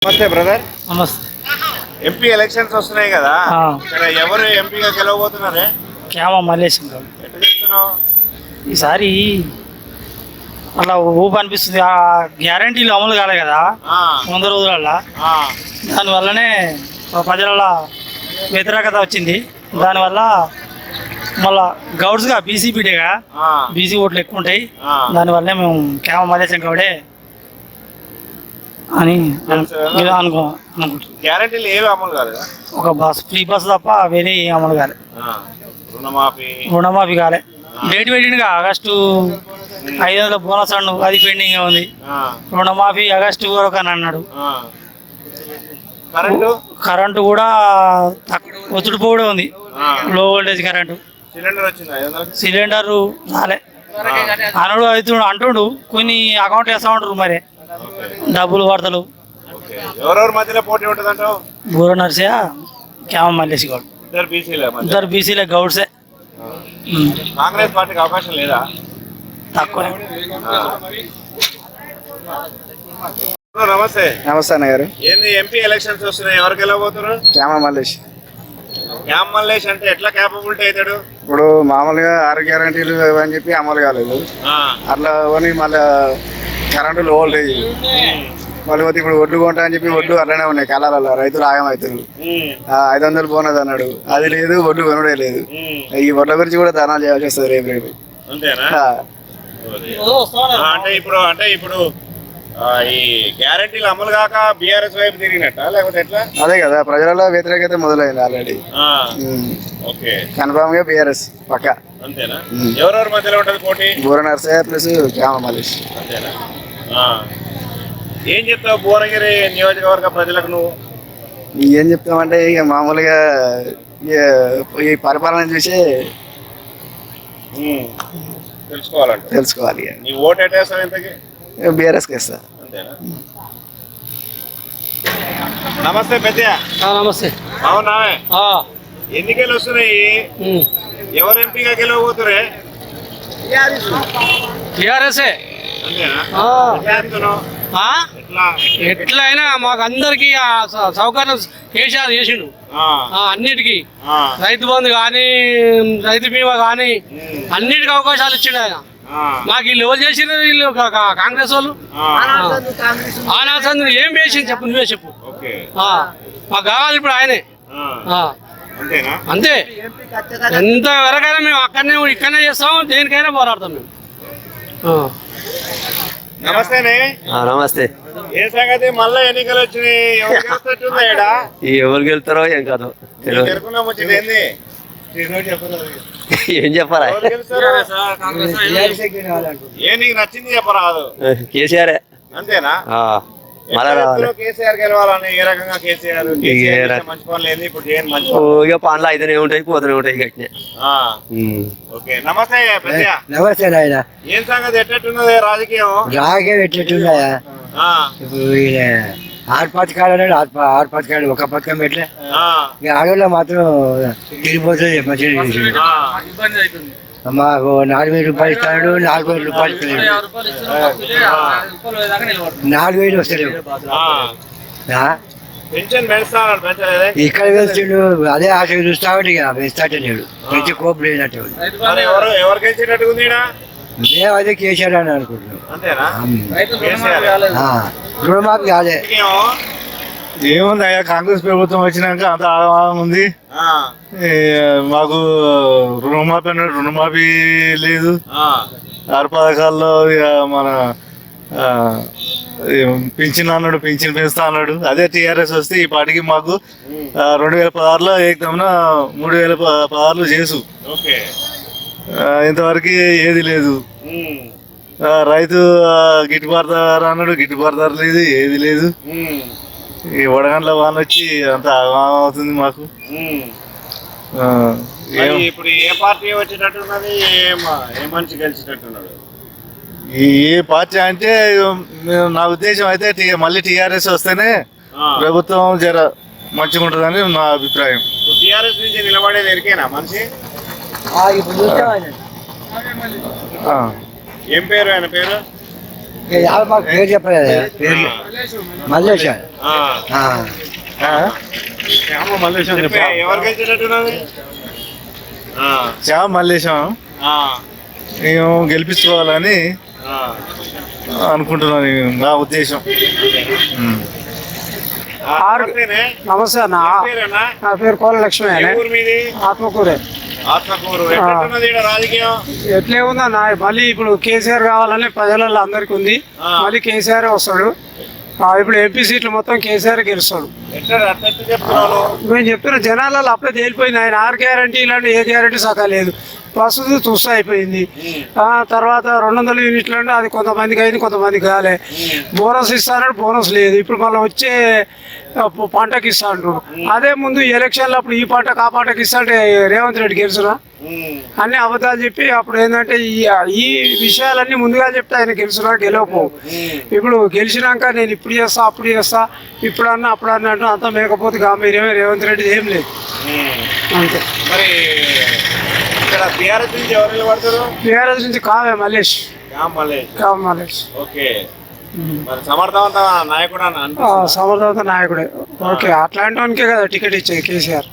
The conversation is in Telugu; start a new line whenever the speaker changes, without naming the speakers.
నమస్తే బ్రదర్.
నమస్తే.
ఎంపీ ఎలక్షన్స్ వస్తున్నాయి కదా, ఇక్కడ ఎవరు ఎంపీగా గెలవబోతున్నారే?
క్యామ మల్లేశం గారు.
ఎట్లా చెప్తున్నావు?
ఈసారి అలా ఊపు అనిపిస్తుంది. ఆ గ్యారంటీలు అమలు కాలే కదా 100 రోజులల్లా. దానివల్లనే ప్రజల వ్యతిరేకత వచ్చింది. దానివల్ల మళ్ళా గౌడ్స్గా బీసీపీడేగా బీసీ ఓట్లు ఎక్కువ ఉంటాయి. దానివల్లే మేము క్యామ మల్లేశం గౌడే అని అనుకుంటున్నాం.
గ్యారంటీలు ఏవి అమలు కాలేదా?
ఒక ఫ్రీ బస్ తప్ప వేరే అమలు కాలే. రుణమాఫీ కాలే. డేట్ పెట్టిండుగా ఆగస్టు 500 బోనస్ అన్ను, అది పెండింగ్ ఉంది. రుణమాఫీ ఆగస్టు వరకు అని అన్నాడు. కరెంటు కూడా ఒత్తుడిపోవడం ఉంది. లో వోల్టేజ్ కరెంటు. సిలిండర్ రాలే అనుడు అవుతుండు అంటుండు. కొన్ని అకౌంట్ వేస్తా ఉంటారు, మరి డబ్బులు వార్తలు.
ఎవరెవరి మధ్యలో పోటీ ఉంటుంది అంటావు?
బూర నర్సయ్య, క్యామ మల్లేశ్ గౌడ్. ఇద్దరు బీసీలే గౌడ్సే.
కాంగ్రెస్ పార్టీకి అవకాశం లేదా?
తక్కువ.
నమస్తే.
నమస్తే అన్న గారు.
ఏంది ఎంపీ ఎలక్షన్స్ వస్తున్నాయి, ఎవరికి వెళ్ళబోతున్నారు?
క్యామ మల్లేష్.
క్యామ మల్లేష్ అంటే ఎట్లా క్యాపబిలిటీ అవుతాడు?
ఇప్పుడు మామూలుగా 6 గ్యారంటీలు అని చెప్పి అమలు కాలేదు. అట్లా కొని మళ్ళీ కరెంటు లో వోల్టేజ్ మళ్ళీ పోతే ఇప్పుడు ఒడ్లు కొంటా అని చెప్పి ఒడ్లు అట్లనే ఉన్నాయి కాలాలలో. రైతులు ఆగమవుతారు. 500 బోనస్ అన్నాడు, అది లేదు. ఒడ్లు కొనుడే లేదు. ఈ ఒడ్ల గురించి కూడా దానాలు చేయాల్సి వస్తుంది రేపు.
అంటే ఇప్పుడు ఈ గ్యారంటీలు అమలు కాక బీఆర్ఎస్ వైపు తిరిగినట్ట లేకపోతే ఎట్లా?
అదే కదా, ప్రజలలో వ్యతిరేకత మొదలైంది ఆల్రెడీ. కన్ఫామ్ గా బీఆర్ఎస్ పక్క.
అంతేనా? ఎవరెవరి మధ్యలో ఉంటది పోటీ?
బూర నర్సయ్య ప్లస్ క్యామ మల్లేష్.
అంతేనా? ఏం చెప్తావు భువనగిరి నియోజకవర్గ ప్రజలకు నువ్వు?
ఏం చెప్తామంటే ఇక మామూలుగా ఈ పరిపాలన చూసి తెలుసుకోవాలి.
నీ ఓటు ఎట్టేస్తావు ఇంతకి?
బీఆర్ఎస్కి వేస్తా.
అంతేనా? నమస్తే పెద్దయ్య.
నమస్తే.
అవునావే, ఎన్నికలు వస్తున్నాయి, ఎవరు ఎంపీగా గెలవబోతురే?
టీఆర్ఎస్ఏ. ఎట్లయినా మాకు అందరికి సౌకర్యం కేసీఆర్ చేసిండు. అన్నిటికీ రైతు బంధు కానీ, రైతు బీమా కానీ అన్నిటికీ అవకాశాలు ఇచ్చిండు ఆయన. మాకు వీళ్ళు ఎవరు చేసిన? వీళ్ళు కాంగ్రెస్ వాళ్ళు. ఆనాసందు ఏం చేసింది చెప్పు, నువ్వే చెప్పు. మాకు కావాలి ఇప్పుడు ఆయనే. అంతే. ఎంత వరకైనా మేము ఇక్కడనే చేస్తాం, దేనికైనా పోరాడతాం మేము.
నమస్తేనే.
నమస్తే.
ఏ సంగతి? మళ్ళా ఎన్నికలు వచ్చినాయి,
ఎవరు గెలుతారో ఏం కాదు. ఏం చెప్పరా?
ఏ నీకు నచ్చింది చెప్పరాదు?
కేసీఆర్.
అంతేనా? కేసీఆర్ గెలవాలని ఏ రకంగా? కేసీఆర్ మంచి పనులు ఏంది ఇప్పుడు చేయని మంచి
ఇక పనులు అయితేనే ఉంటాయి, పోతూనే ఉంటాయి.
ఓకే. నమస్తే పెద్దయ్య.
నమస్తే నాయన.
ఏం సంగతి? ఎట్టెట్టున్నది రాజకీయం?
ఎట్లెట్టున్నాయా? ఇప్పుడు ఆరు పథకాలు ఒక పథకం పెట్టలే. ఆడవాళ్ళ మాత్రం తిరిగిపోతుంది. మంచిగా మాకు 4,000 రూపాయలు ఇస్తాడు, 4,000 రూపాయలు ఇస్తాడు. 4,000 వస్తలేవు. ఇక్కడ వేస్తుండు, అదే ఆశ చూస్తాడు. ఇక వేస్తాటే లేడు, పెంచి కోపు లేనట్టు. మేము అదే కేసీఆర్ అని అనుకుంటున్నాం. రుణమాఫీ కాదే.
ఏముంది అయ్యా, కాంగ్రెస్ ప్రభుత్వం వచ్చినాక అంత ఆగమాగం ఉంది. మాకు రుణమాఫీ లేదు. 6 పథకాల్లో ఇక మన పింఛన్ అన్నాడు, పింఛన్ పెంచుతా అన్నాడు. అదే టీఆర్ఎస్ వస్తే ఈ పాటికి మాకు 2016లో ఏకదమ్మున 3,016 చేసు. ఇంతవరకు ఏది లేదు. రైతు గిట్టుబాటు ధర అన్నాడు, గిట్టుబాటు ధర లేదు, ఏది లేదు. ఈ వడగండ్ల వాన వచ్చి అంత అవుతుంది మాకు.
ఇప్పుడు ఏ పార్టీ వచ్చేటట్టున్నది? ఏ మనిషి గెలిచేటట్టున్నాడు?
ఏ పార్టీ అంటే నా ఉద్దేశం అయితే మళ్ళీ టీఆర్ఎస్ వస్తేనే ప్రభుత్వం జర మంచిగా ఉంటుందని నా అభిప్రాయం.
టీఆర్ఎస్ నుంచి నిలబడేది ఎరికేనా మనిషి? ఏం పేరు ఆయన పేరు?
మాకు పేరు చెప్పలేదు పేరు మల్లేష
ఎవరికి వచ్చినట్టున్నది
శ్యామ మల్లేశం మేము గెలిపించుకోవాలని అనుకుంటున్నాను నా ఉద్దేశం.
నమస్తే అన్న నా పేరు కోల లక్ష్మి ఆత్మకూరే.
ఆత్మకూరు ఎట్లున్నది ఈడ రాజకీయం?
ఎట్లే ఉందన్న మళ్ళీ ఇప్పుడు కేసీఆర్ కావాలని ప్రజలలో అందరికి ఉంది. మళ్ళీ కేసీఆర్ వస్తాడు. ఇప్పుడు ఎంపీ సీట్లు మొత్తం కేసీఆర్ గెలుస్తాడు. మేము చెప్తున్న జనాలలో అప్పుడే తేలిపోయింది. ఆయన 6 గ్యారంటీ ఇలాంటి ఏ గ్యారంటీ సగా లేదు. బస్సు చూస్తూ అయిపోయింది. తర్వాత 200 యూనిట్లు అంటే అది కొంతమందికి అయింది, కొంతమందికి కాలే. బోనస్ ఇస్తానంటే బోనస్ లేదు. ఇప్పుడు మళ్ళీ వచ్చే పంటకి ఇస్తా అంటున్నాడు. అదే ముందు ఎలక్షన్లు అప్పుడు ఈ పంటకు ఆ పంటకి ఇస్తా అంటే రేవంత్ రెడ్డి గెలుచురా? అన్ని అబద్ధాలు చెప్పి అప్పుడు ఏంటంటే ఈ విషయాలన్నీ ముందుగా చెప్తే ఆయన గెలుచురా గెలవపో. ఇప్పుడు గెలిచినాక నేను ఇప్పుడు చేస్తా అప్పుడు చేస్తా ఇప్పుడు అన్నా అప్పుడు అన్నట్టు అంతా మేకపోతే గాంభీర్యమే. రేవంత్ రెడ్డి ఏం లేదు అంతే.
మరి ఇక్కడ బీఆర్ఎస్ నుంచి ఎవరు నిలబడతారు?
బీఆర్ఎస్ నుంచి కావే మల్లేష్. కావ మల్లేష్
ఓకే. మరి సమర్థవంత నాయకుడు
సమర్థవంత నాయకుడే. ఓకే అట్లాంటి వానికే కదా టికెట్ ఇచ్చేది కేసీఆర్.